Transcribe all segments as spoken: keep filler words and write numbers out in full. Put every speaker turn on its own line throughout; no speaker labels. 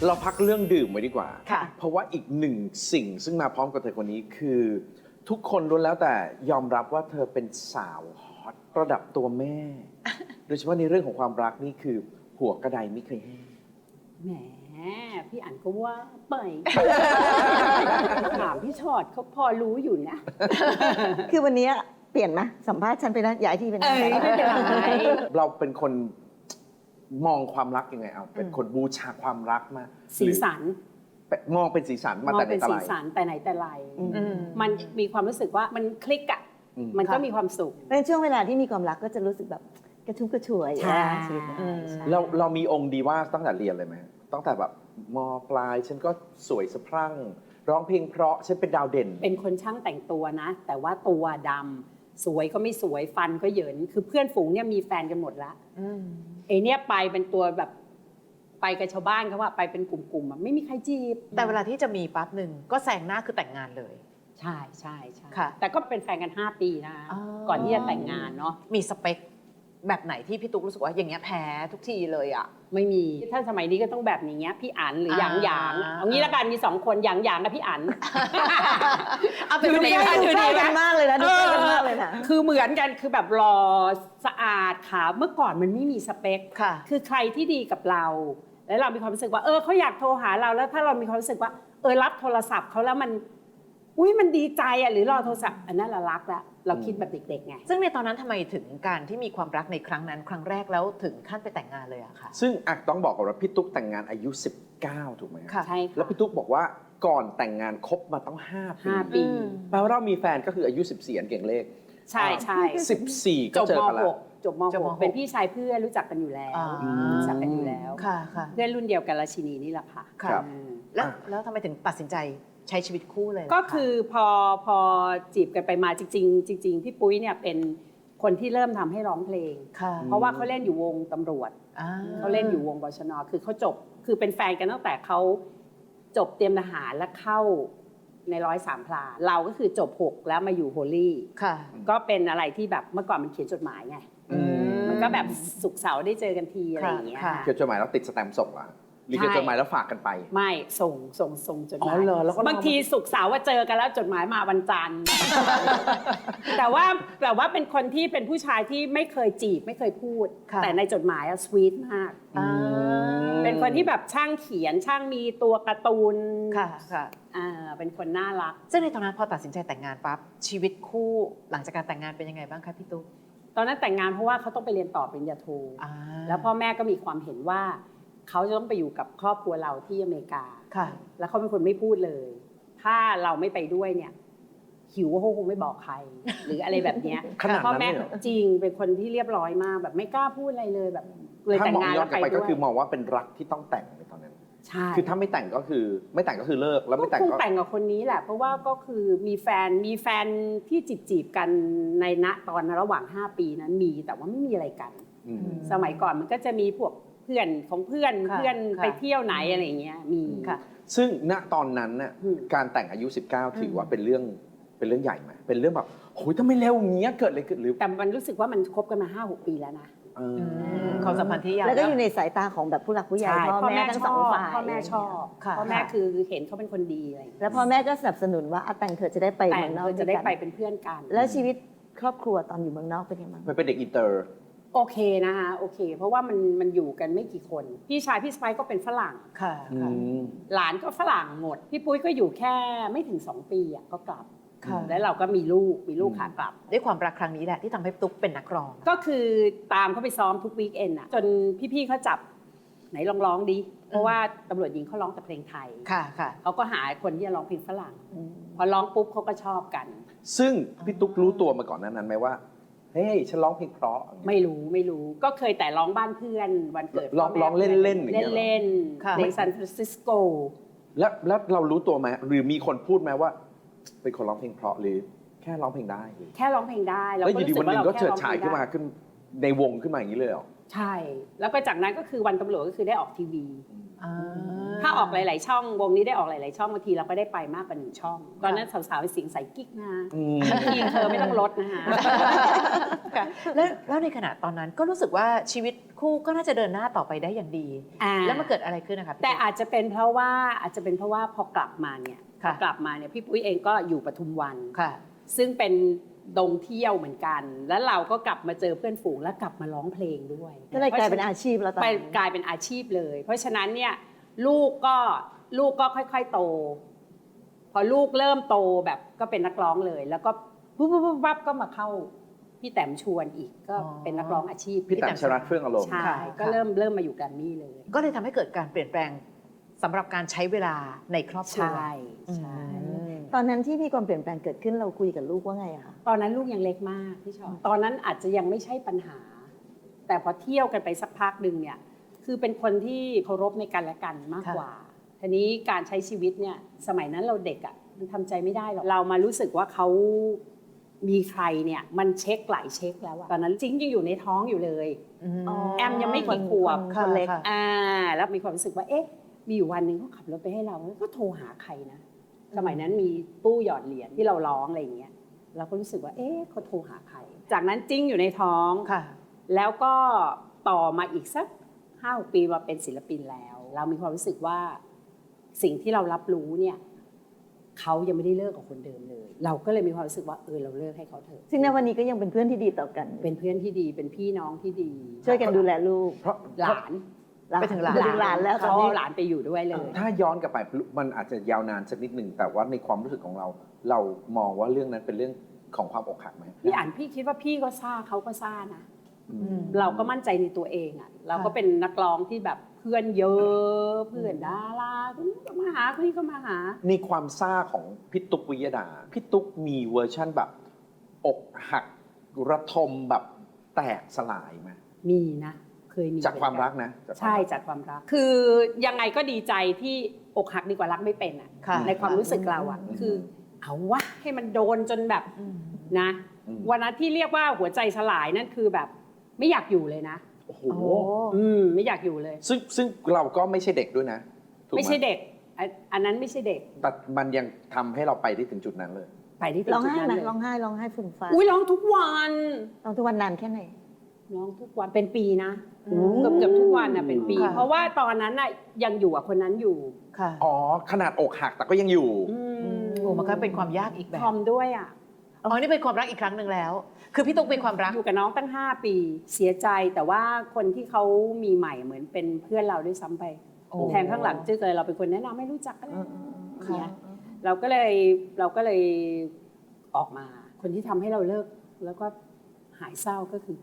เราพักเรื่องดื่มไว้ดีกว่า
ค่ะ
เพราะว่าอีกหนึ่งสิ่งซึ่งมาพร้อมกับเธอคนนี้คือ ทุกคนล้วนแล้วแต่ยอมรับว่าเธอเป็นสาวฮอตระดับตัวแม่ โดยเฉพาะในเรื่องของความรักนี่คือหัวกระไดไม่เคยแห้ง
แหมพี่อั๋นก็ว่าไป ถามพี่ชอดเขาพอรู้อยู่นะ
คือวันนี้เปลี่ยนไหมสัมภาษณ์ฉันไปแล้วย้ายที่เป็น
เอ้ยไม่เป็นไร
เราเป็นคนมองความรักยังไงเอาเป็นคนบูชาความรักมา
สีสัน
หรือมองเป็นสีสันมาม
อง
แต่ไหน
เป็น
แต่
สี
ไร
สันแต่ไหนแต่ไร
อืม
มันมีความรู้สึกว่ามันคลิกอ่ะ
อืม
มันก็
ค่ะ
มีความสุข
ในช่วงเวลาที่มีความรักก็จะรู้สึกแบบกระชุ่มกระชวย
ใช่
อ่าชีวิต
ใช่
เราเรามีองค์ดีว่าตั้งแต่เรียนเลยไหมตั้งแต่แบบมปลายฉันก็สวยสะพรั่ง ร้องเพลงเพราะฉันเป็นดาวเด่น
เป็นคนช่างแต่งตัวนะ แต่ว่าตัวดำสวยก็ไม่สวยฟันก็เหยินคือเพื่อนฝูงเนี่ยมีแฟนกันหมดละไอเนี่ยไปเป็นตัวแบบไปกับชาวบ้านเขาว่าไปเป็นกลุ่มๆอะไม่มีใครจีบ
แต่เวลาที่จะมีปั๊บหนึ่งก็แซงหน้าคือแต่งงานเลย
ใช่ใช่ใช่
ค่ะ
แต่ก็เป็นแฟนกันห้าปีนะ
อ๋อ
ก่อนที่จะแต่งงานเนาะ
มีสเปคแบบไหนที่พี่ตุ๊กรู้สึกว่าอย่างเงี้ยแพ้ทุกทีเลยอ่ะ
ไม่มีถ้าสมัยนี้ก็ต้องแบบนี้พี่อั๋นหรือหยางหยาง
อ่า
เอางี้ละกันมีสองคนหยางหยางกับพี่อั๋น
เอาเป็น
ดู
คน
ดี
เดียว
ไหม
ดูใกล้กันมากเลยนะดูใกล้กันมากเลยนะ
คือเหมือนกันคือแบบรอสะอาดขาวเมื่อก่อนมันไม่มีสเปค
ค่ะ
คือใครที่ดีกับเรา แล้วเรามีความรู้สึกว่าเออเขาอยากโทรหาเราแล้วถ้าเรามีความรู้สึกว่าเออรับโทรศัพท์เขาแล้วมันอุ้ยมันดีใจอ่ะหรือรอโทรศัพท์อันนั้นเรารักแล้วเราคิดแบบเด็กๆไง
ซึ่งในตอนนั้นทำไมถึงการที่มีความรักในครั้งนั้น ครั้งแรกแล้วถึงขั้นไปแต่งงานเลยอะค่ะ
ซึ่งอ่ะต้องบอกก่อนว่าพี่ตุ๊กแต่งงานอายุสิบเก้าถูกไหม
ค่ะ
ใช่ค่ะ
แล้วพี่ตุ๊กบอกว่าก่อนแต่งงานคบมาต้องห้าปี
ห้าปี
อืม
แปลว่าเรามีแฟนก็คืออายุสิบสี่อันเก่งเลข
ใช่ใช่
สิบสี่ก็
จบ
เจอ
ม
กันแล้ว
.หก จบม
จบม
.หก เป็นพี่ชายเพื่อนรู้จักกันอยู่แล้ว
อ่า
รู้จักกันอยู่แล้ว
ค่ะค่ะ
เพื่อนรุ่นเดียวกันราชินีนี่แหละค่ะ
ค่ะ
ครับ
อืม
แล้ว
อ่ะ
แล้วทำไมถึงตัดสินใจใช้ชีวิตคู่เลยล่ะะ
ก็คือพอพอจีบกันไปมาจริง ๆ จริง ๆ พี่ปุ้ยเนี่ยเป็นคนที่เริ่มทำให้ร้องเพลง
ค่ะ
เพราะว่าเขาเล่นอยู่วงตำรวจ
อ่า
เขาเล่นอยู่วงบชน.คือเขาจบคือเป็นแฟนกันตั้งแต่เขาจบเตรียมทหารแล้วเข้าในร้อยสามพลาเราก็คือจบหกแล้วมาอยู่โฮลี่
ค่ะ
ก็เป็นอะไรที่แบบเมื่อก่อนมันเขียนจดหมายไง
อืม
มันก็แบบศุกร์เสาร์ได้เจอกันทีอะไรอย่างเงี้ย
ค่ะ
เขียนจดหมายแล้วติดสแตมป์ส่งเหรอหรือเขียนจดหมายแล้วฝากกันไป
ไม่ส่งส่งส่งจดห
อ๋
มา
อย เหรอแล้วก็
บางทีศุกร์เสาร์ว่าเจอกันแล้วจดหมายมาวันจันทร์ แต่ว่าแต่ว่าเป็นคนที่เป็นผู้ชายที่ไม่เคยจีบไม่เคยพูด
ค่ะ
แต่ในจดหมายอะสวีทมาก
อ่า
เป็นคนที่แบบช่างเขียนช่างมีตัวการ์ตูน
ค่ะค่ะ
อ่าเป็นคนน่ารัก
ซึ่งในตอนนั้นพอตัดสินใจแต่งงานปั๊บชีวิตคู่หลังจากการแต่งงานเป็นยังไงบ้างคะพี่ตุ๊ก
ตอนนั้นแต่งงานเพราะว่าเขาต้องไปเรียนต่อปริญญาโท
อ่า
แล้วพ่อแม่ก็มีความเห็นว่าเขาจะต้องไปอยู่กับครอบครัวเราที่อเมริกา
ค่ะ
แล้วเขาเป็นคนไม่พูดเลย ถ้าเราไม่ไปด้วยเนี่ย หิวก็คงไม่บอกใคร หรืออะไรแบบเนี้ย
ขนาดนั้น
พ่อแม่
เลยเหรอ
จริงเป็นคนที่เรียบร้อยมาก แบบไม่กล้าพูดอะไรเลยแบบเลย
ถ้า
แต่ง
มอง
งาน
ย้อ
แล้
น
ว
กลับ
ไป
ไป
ด้
ก็
วย
คือมองว่าเป็นรักที่ต้องแต่งในตอนนั้น
ใช่
คือถ้าไม่แต่งก็คือไม่แต่งก็คือเลิกแล้วไม่แต่ง
คง
ก็
แต่งกับคนนี้แหละ เพราะว่าก็คือมีแฟนมีแฟนที่จีบจีบๆกันในณตอนระหว่างห้าปีนั้นมีแต่ว่าไม่มีอะไรกัน
อืม
สมัยก่อนมันก็จะมีพวกเพื่อนของเพื่อน
ค่ะ
เพื่อน
ค่ะ
ไปเที่ยวไหนอะไรอย่างเงี้ยมี
ค่ะ
ซึ่งณตอนนั้นน่ะ
อืม
การแต่งอายุ สิบเก้า ถือว่าเป็นเรื่องเป็นเรื่องใหญ่ไหมเป็นเรื่องแบบโอ้ยทำไมเร็วอย่างเงี้ยเกิดอะไรขึ้นหรือ
แต่มันรู้สึกว่ามันคบกันมาห้าหกปีแล้วนะ
เออ
ความสัมพันธ์ที่ยาว
แล้วก็อยู่ในสายตาของแบบผู้หลักผู้ใหญ่พ่อแม่ทั้งสองฝ่าย
พ่อแม่ชอบ
ค่ะ
พ่อแม่คือเห็นเขาเป็นคนดีอะไรอย่างเงี้ย
แล้วพ่อแม่ก็สนับสนุนว่าอ่ะแต่งเธอะจะได้ไป
แต่
เมืองนอก
จะได้
วยกัน
ไปเป็นเพื่อนกัน
แล้วชีวิตครอบครัวตอนอยู่เมืองนอกเป็นยังไงบ้าง
มันเป็นเด็กอินเตอร์
โอเคนะคะโอเค เพราะว่ามันมันอยู่กันไม่กี่คน พี่ชายพี่สไปก็เป็นฝรั่ง
ค่ะ
อื
ค่ะ
ม
หลานก็ฝรั่งหมด พี่ปุ้ยก็อยู่แค่ไม่ถึงสองปีอ่ะก็กลับ
ค่ะ
แล้วเราก็มีลูกมีลูก
อืม
ขากลับ
ด้วยความรักครั้งนี้แหละที่ทำให้ตุ๊กเป็นนักร้อง
ก็คือตามเขาไปซ้อมทุกวีคเอนด์อ่ะจนพี่ๆเขาจับไหนลองร้องดิเพราะว่าตำรวจหญิงเขาร้องแต่เพลงไทย
ค่ะค่ะ
เขาก็หาคนที่จะร้องเพลงฝรั่ง พอร้องปุ๊บเขาก็ชอบกัน
ซึ่งพี่ตุ๊กรู้ตัวมาก่อนหนานั้นไหมว่าเฮ้ยฉันร้องเพลงเพราะ
ไม่รู้ไม่รู้ก็เคยแต่ร้องบ้านเพื่อนวันเกิด
ร้อง
พ่แม่
ร้องเล่นๆอย่างเงี้ยเหรอ
เล่น
ค่ะ
ๆในซานฟรานซิสโก
แล้วแล้วเรารู้ตัวไหมหรือมีคนพูดไหมว่า เป็นคนร้องเพลงเพราะหรือแค่ร้องเพลงได้หรือ
แค่ร้องเพลงได้
แล้วอยู่ดีวันหนึ่งก็เฉิดฉายขึ้นมา
แค่ร้องเพลงได้
ขึ้นในวงขึ้นมาอย่างนี้เลยเหรอ
ใช่ แล้วก็จากนั้นก็คือวันตำรวจก็คือได้ออกทีวี
อ่า
ถ้าออกหลายๆช่องวงนี้ได้ออกหลายๆช่องบางทีเราก็ได้ไปมากกว่าหนึ่งช่อง ตอนนั้นสาวๆเป็นสิงใส่กิ๊กนะ
อืม
ทีมเธอไม่ต้องลดนะคะ
ค่ะแล้วแล้วในขณะตอนนั้นก็รู้สึกว่าชีวิตคู่ก็น่าจะเดินหน้าต่อไปได้อย่างดี
อ่า
แล้วมันเกิดอะไรขึ้นนะคะพี่
แต่อาจจะเป็นเพราะว่าอาจจะเป็นเพราะว่าพอกลับมาเนี่ยพ
ค่ะ
อกลับมาเนี่ยพี่ปุ้ยเองก็อยู่ปทุมวัน
ค่ะ
ซึ่งเป็นดงเที่ยวเหมือนกัน แล้วเราก็กลับมาเจอเพื่อนฝูงแล้วกลับมาร้องเพลงด้วย
ก็เลยกลายเป็นอาชีพแล้วตอน
ไป
นั้น
กลายเป็นอาชีพเลย เพราะฉะนั้นเนี่ยลูกก็ลูกก็ค่อยๆโต พอลูกเริ่มโตแบบก็เป็นนักร้องเลย แล้วก็ปุ๊บปุ๊บปุ๊บปั๊บก็มาเข้าพี่แต้มชวนอีกก็
อ๋อ
เป็นนักร้องอาชีพ
พี่แต้มชรัตน์เฟื่องอารมณ์
ใช่
ค่ะ
ก็เริ่มเริ่มมาอยู่แกรมมี่เลย
ก็เลยทำให้เกิดการเปลี่ยนแปลงสำหรับการใช้เวลาในครอบครัว
ใช่ใช่
อืม
ตอนนั้นที่มีความเปลี่ยนแปลงเกิดขึ้นเราคุยกับลูกว่าไงอะคะ
ตอนนั้นลูกยังเล็กมากพี่ชอนตอนนั้นอาจจะยังไม่ใช่ปัญหา แต่พอเที่ยวกันไปสักพักหนึ่งเนี่ยคือเป็นคนที่เคารพในกันและกันมากกว่าทีนี้การใช้ชีวิตเนี่ยสมัยนั้นเราเด็กอ่ะมันทำใจไม่ได้หรอกเรามารู้สึกว่าเขามีใครเนี่ยมันเช็คหลายเช็คแล้วอะตอนนั้นจริงยังอยู่ในท้องอยู่เลย
ม
แอมยังไม่กี่ขวบ
คนคนเล็ก
ค่ะ
อ่าแล้วมีความรู้สึกว่าเอ๊ะมีอยู่วันหนึ่งเขาขับรถไปให้เราก็โทรหาใครนะสมัยนั้นมีตู้หยอดเหรียญที่เราร้องอะไรอย่างเงี้ยเราก็รู้สึกว่าเอ๊ะเขาโทรหาใคร จากนั้นจิ้งอยู่ในท้อง
ค่ะ
แล้วก็ต่อมาอีกสักห้าปีมาเป็นศิลปินแล้ว เรามีความรู้สึกว่าสิ่งที่เรารับรู้เนี่ยเขายังไม่ได้เลิกกับคนเดิมเลย เราก็เลยมีความรู้สึกว่าเออเราเลิกให้เขาเถอะ
ซึ่งในวันนี้ก็ยังเป็นเพื่อนที่ดีต่อกัน
เป็นเพื่อนที่ดีเป็นพี่น้องที่ดี
ช่วยกันดูแลลูก
เพราะ
หลาน
ไปถึงหลาน
ไปถึงหลานแล้วตอ
เขา
นนี้
เอาหลานไปอยู่ด้วยเลย
ถ้าย้อนกลับไปมันอาจจะยาวนานสักนิดหนึ่งแต่ว่าในความรู้สึกของเรา เรามองว่าเรื่องนั้นเป็นเรื่องของความอกหักไหม
พี่อ่านพี่คิดว่าพี่ก็ซ่าเขาก็ซ่านะ
อื
อื
ม
ม
เราก็มั่นใจในตัวเองอ่ะเราก็เป็นนักร้องที่แบบเพื่อนเยอะเพื่อนดาราคนนี้ก็มาหาคนนี้ก็มาหา
ในความซ่าของพี่ตุ๊กวิยดาพี่ตุ๊กมีเวอร์ชั่นแบบอกหักระทมแบบแตกสลายไหม
มีนะ เคยมี
จากความรักนะจากความ
ใช่
รัก
จากความรัก คือยังไงก็ดีใจที่อกหักดีกว่ารักไม่เป็นอ่ะ
ค่ะ
ในความรู้สึกเราอ่ะ
อืม
คือเอาวะให้มันโดนจนแบบ
อืม
นะ
อืม
วันนั้นที่เรียกว่าหัวใจสลายนั่นคือแบบไม่อยากอยู่เลยนะ
โอ้โห
โอ้
อืมไม่อยากอยู่เลย
ซึ่งซึ่งเราก็ไม่ใช่เด็กด้วยนะถูกห
ไม่ใช่เด็กอันอันนั้นไม่ใช่เด็ก
แต่มันยังทำให้เราไปได้ถึงจุดนั้นเลย
ไปที่ถึง
ร้อง
จุด
ไห้
นั้น
ไหม
เลย
ร้องไห้ร้องไห้ฝุ่นฟ้า
อุ้ยร้องทุกวัน
ร้องทุกวันนานแค่ไหน
ร้องทุกวันเป็นปีนะ
อืม
เกือบเกือบทุกวันน่ะเป็นปี
ค่ะ
เพราะว่าตอนนั้นน่ะยังอยู่กับคนนั้นอยู่
ค่ะ
อ๋อขนาดอกหักแต่ก็ยังอยู่
อื
อืมโอ้มันก็เป็นความยากอีกแบบ
ทอมด้วยอ่ะ
อ๋อนี่เป็นความรักอีกครั้งหนึ่งแล้ว คือพี่ตุ๊กเป็นความรัก
อยู่กับน้องตั้งห้าปีเสียใจแต่ว่าคนที่เขามีใหม่เหมือนเป็นเพื่อนเราด้วยซ้ำไป
โอ้
แทนข้างหลังจื้อเลยเราเป็นคนแนะนำไม่รู้จักกัน
อืมอืมอืม
เนี่ย เราก็เลยเราก็เลยออกมา คนที่ทำให้เราเลิกแล้วก็หายเศร้าก็คือ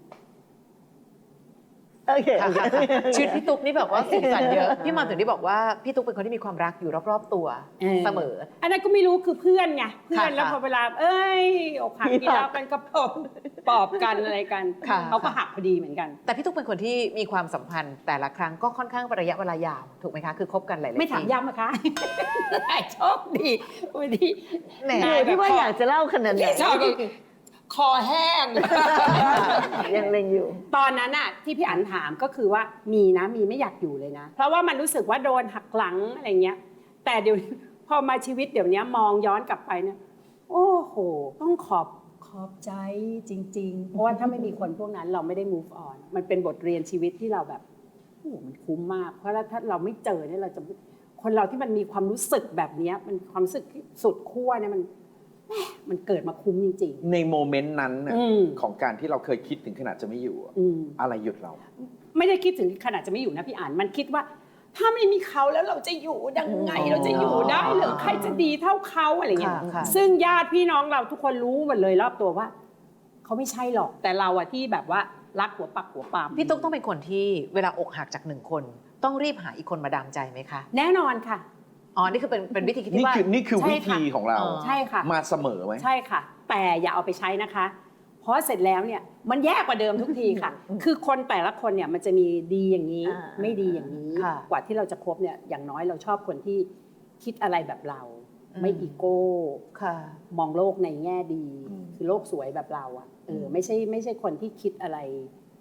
โอเค
ค่ะ
โอเค
ค่ะค่ะชีวิตพี่ตุ๊กนี่แบบว่าสีสันเยอะ พี่มาถึงได้บอกว่าพี่ตุ๊กเป็นคนที่มีความรักอยู่รอบๆตัว
เออ
เสมอ
อันนั้นก็ไม่รู้คือเพื่อนไงเพื่อน
ค่ะ
แล้วพอเวลา เอ้ยอกหัก
พี่
กีฬา
หัก
กันก็ปลอบปลอบกันอะไรกัน
ค่ะ
เขาก็หักพอดีเหมือนกัน
แต่พี่ตุ๊กเป็นคนที่มีความสัมพันธ์แต่ละครั้งก็ค่อนข้างเป็นระยะเวลายาวถูกไหมคะ คือคบกันหลายๆ
ไม่ถาม
ปี
ย้ำนะคะ โชคดีวันนี้
แหม
เออที่ว่าอยากจะเล่าขนาดไหน
ชอบคอแห้ง
ยังเล็งอยู่
ตอนนั้นน่ะที่พี่อันถามก็คือว่ามีนะมีไม่อยากอยู่เลยนะ เพราะว่ามันรู้สึกว่าโดนหักหลังอะไรเงี้ย แต่เดี๋ยว พอมาชีวิตเดี๋ยวนี้มองย้อนกลับไปเนี่ยโอ้โห ต้องขอบขอบใจจริง ๆ เพราะว่าถ้าไม่มีคนพวกนั้นเราไม่ได้ move on มันเป็นบทเรียนชีวิตที่เราแบบโอ้โหมันคุ้มมาก เพราะถ้าเราไม่เจอเนี่ยเราจะคนเราที่มันมีความรู้สึกแบบเนี้ยมันความรู้สึกที่สุดขั้วเนี่ยมันแหม่มันเกิดมาคุ้มจริง
ในโมเมนต์นั้นน่ะ
อืม
ของการที่เราเคยคิดถึงขนาดจะไม่อยู่อะ
ๆ อืม
อะไรหยุดเรา
ไม่ได้คิดถึงขนาดจะไม่อยู่นะพี่อ่านมันคิดว่า ถ้าไม่มีเขาแล้วเราจะอยู่ยังไง
อ๋อ
เราจะอยู่ได้เหรือใครจะดีเท่าเขาอะไรเงี้ย
ค่ะค่ะ
ซึ่งญาติพี่น้องเราทุกคนรู้หมดเลยรอบตัวว่าเขาไม่ใช่หรอกแต่เราอะที่แบบว่ารักหัวปักหัวปาม
พี่ตุ๊กต้องเป็นคนที่เวลาอกหักจากหนึ่งคน ต้องรีบหาอีกคนมาดามใจไหมคะ
แน่นอนค่ะ
อ๋อ นี่คือเป็นเป็นวิธีคิด
นี่
ที่ว่า
คือนี่คือ
ใช่
วิ
ค่ะ
ธีของเรา
เออ
ใช่ค่ะ
มาเสมอไหม
ใช่ค่ะ แต่อย่าเอาไปใช้นะคะ เพราะเสร็จแล้วเนี่ยมันแย่กว่าเดิมทุกทีค่ะ คือคนแต่ละคนเนี่ยมันจะมีดีอย่างนี้
อ่า
ไม่ดีอย่างนี้
ค่ะ
กว่าที่เราจะคบเนี่ยอย่างน้อยเราชอบคนที่คิดอะไรแบบเรา
อืม
ไม่อีโก้
ค่ะ
มองโลกในแง่ดี
อืม
คือโลกสวยแบบเราอะเออไม่ใช่ไม่ใช่คนที่คิดอะไร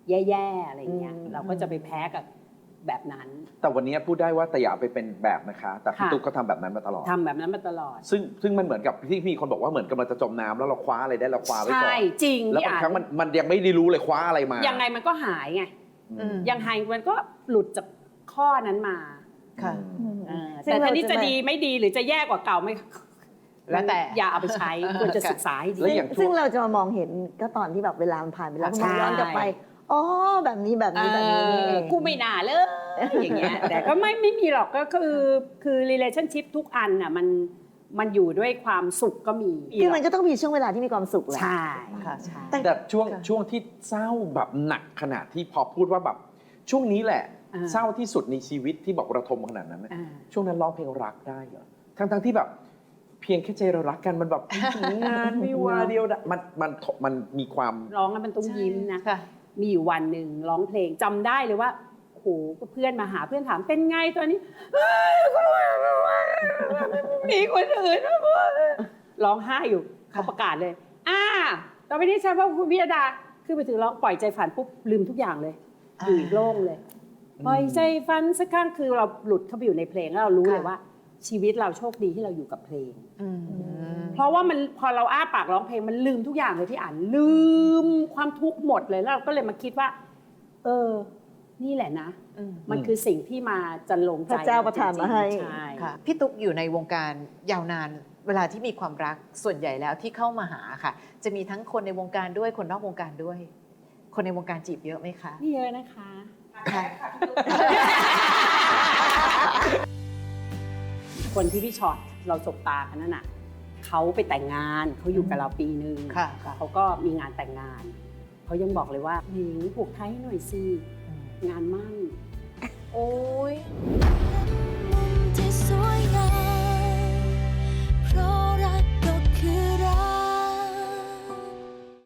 แย่ๆอะไรเงี้ย
อืม
เราก็จะไปแพ้กับแบบนั้น
แต่วันนี้พูดได้ว่าแต่อย่าไปเป็นแบบนะคะ แต่พี่
ค่ะ
ตุ๊กก็ทำแบบนั้นมาตลอด
ทำแบบนั้นมาตลอด
ซึ่งซึ่งมันเหมือนกับที่มีคนบอกว่าเหมือนกำลังจะจมน้ำแล้วเราคว้าอะไรได้เราคว้าไว้ก่อน
ใช่จริง
แล้ว
พี่
บาง
อ่า
ครั้ง
น
มันมันยังไม่ได้รู้เลยคว้าอะไรมา
ยังไงมันก็หายไง
อืม
ยังไงมันก็หลุดจากข้อนั้นมา
ค่ะ
อืม
เออ
ซึ่ง
แต่
เรา
ทีนี้
จะ
จะ
ไม่
ดีไม่ดีหรือจะแย่กว่าเก่าไม่
แล้วแต่
อย่าเอาไปใช้ควรจะศึกษาให้ดี
แล้วอย่าง
ซึ่งเราจะมามองเห็นก็ตอนที่แบบเวลามันผ่านไปแล้วก็
ใช่
มองย้อนกลับไปอ๋อแบบนี้แบบนี้แบบนี้นี่เอง
กูไม่น่าเลยอย่างเงี้ยแต่ก็ไม่ไม่มีหรอกก็คือคือ relationship ทุกอันน่ะมันมันอยู่ด้วยความสุขก็มี
คือมันก็ต้องมีช่วงเวลาที่มีความสุขแหละ
ใช่
ค่ะ
ใช่
แต่
แต่ช่วง
ค่ะ
ช่วงที่เศร้าแบบหนักขนาดที่พอพูดว่าแบบช่วงนี้แหละ
อ่า
เศร้าที่สุดในชีวิตที่บอกระทมขนาดนั้นน่ะ
อ่า
ช่วงนั้นร้องเพลงรักได้เหรอทั้งทั้งๆที่แบบ เพียงแค่ใจเรารักกันมันแบบ งานไม่ว่าเดียวดะมันมันมันมีความ
ร้องแล้วมันต้องยิ้มนะ
ค่ะ
มีอยู่วันหนึ่งร้องเพลงจำได้เลยว่าโอ้โหเพื่อนมาหาเพื่อนถามเป็นไงตอนนี้เอ้ยมีคนอื่นร้องไห้อยู่เขาประกาศเลย อ่าต่อไปนี้ใช่ว่าคุณพิยดาขึ้นไปถึงร้องปล่อยใจฝันปุ๊บลืมทุกอย่างเลยอยู่อีกโล่งเลย ปล่อยใจฝันสักครั้งคือเราหลุดเข้าไปอยู่ในเพลงแล้วเรารู้
ค่ะ
เลยว่า ชีวิตเราโชคดีที่เราอยู่กับเพลง
อืม
เพราะว่ามันพอเราอ้าปากร้องเพลงมันลืมทุกอย่างเลยที่อ่านลืมความทุกข์หมดเลยแล้วเราก็เลยมาคิดว่า เออ นี่แหละนะ
อืม
มันคือสิ่งที่มาจันลงใจ
พระเจ้าประทานมาให้
ใช่
ค่ะพี่ตุ๊กอยู่ในวงการยาวนาน เวลาที่มีความรักส่วนใหญ่แล้วที่เข้ามาหาค่ะ จะมีทั้งคนในวงการด้วยคนนอกวงการด้วย คนในวงการจีบเยอะไหมคะ
นี่เยอะนะคะ
ค่ะ
คนที่พี่ช็อตเราสบตากันนั่นน่ะเขาไปแต่งงานเขาอยู่กับเราปีหนึ่ง
ค่ะค่ะ
เขาก็มีงานแต่งงานเขายังบอกเลยว่าหนิงผูกไทยให้หน่อยสิงานมั่น
โอ้ย